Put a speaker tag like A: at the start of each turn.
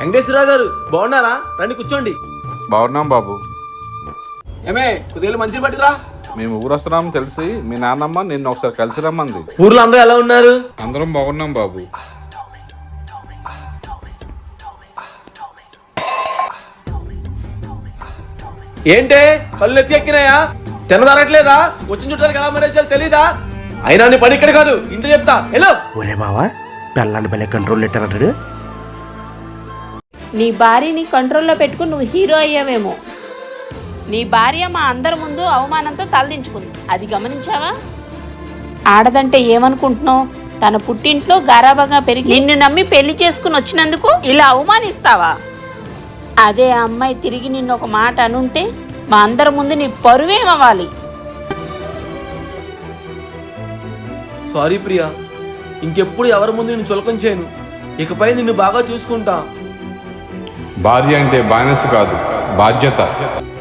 A: వెంకటేశ్వరరావు గారు బాగున్నారా? రండి కూర్చోండి.
B: బాగున్నాం బాబు.
A: ఏమే కొద్దిగా మంచిని పట్టుకురా.
B: మేము ఊరొస్తున్నాం తెలిసి మీ నాన్నమ్మ నిన్ను ఒకసారి కలిసి రమ్మంది.
A: ఊర్లో అందరూ ఎలా ఉన్నారు?
B: అందరం బాగున్నాం బాబు.
A: ఏంటే కళ్ళు ఎత్తి ఎక్కినాయా? తినదరట్లేదా? వచ్చిన చుట్టానికి ఎలా మరేసాలి తెలీదా? అయినా నీ పని ఇక్కడ కాదు, ఇంట్లో చెప్తా. హలో
C: ఒరే బావా, పెళ్ళాన్ని భలే కంట్రోల్ పెట్టారంటాడు.
D: నీ భార్యని కంట్రోల్లో పెట్టుకుని నువ్వు హీరో అయ్యావేమో. నీ భార్య మా అందరి ముందు అవమానంతో తలదించుకుంది, అది గమనించావా? ఆడదంటే ఏమనుకుంటున్నావు? తన పుట్టింట్లో గారాబంగా పెరిగి నిన్ను నమ్మి పెళ్లి చేసుకుని వచ్చినందుకు ఇలా అవమానిస్తావా? అదే అమ్మాయి తిరిగి నిన్ను ఒక మాట అనుంటే మా అందరి ముందు నీ పరువేమవ్వాలి.
A: సారీ ప్రియా, ఇంకెప్పుడు ఎవరి ముందు నిన్ను చులకం చేయను. ఇకపై నిన్ను బాగా చూసుకుంటా.
B: భార్య అంటే బానిస కాదు, బాధ్యత.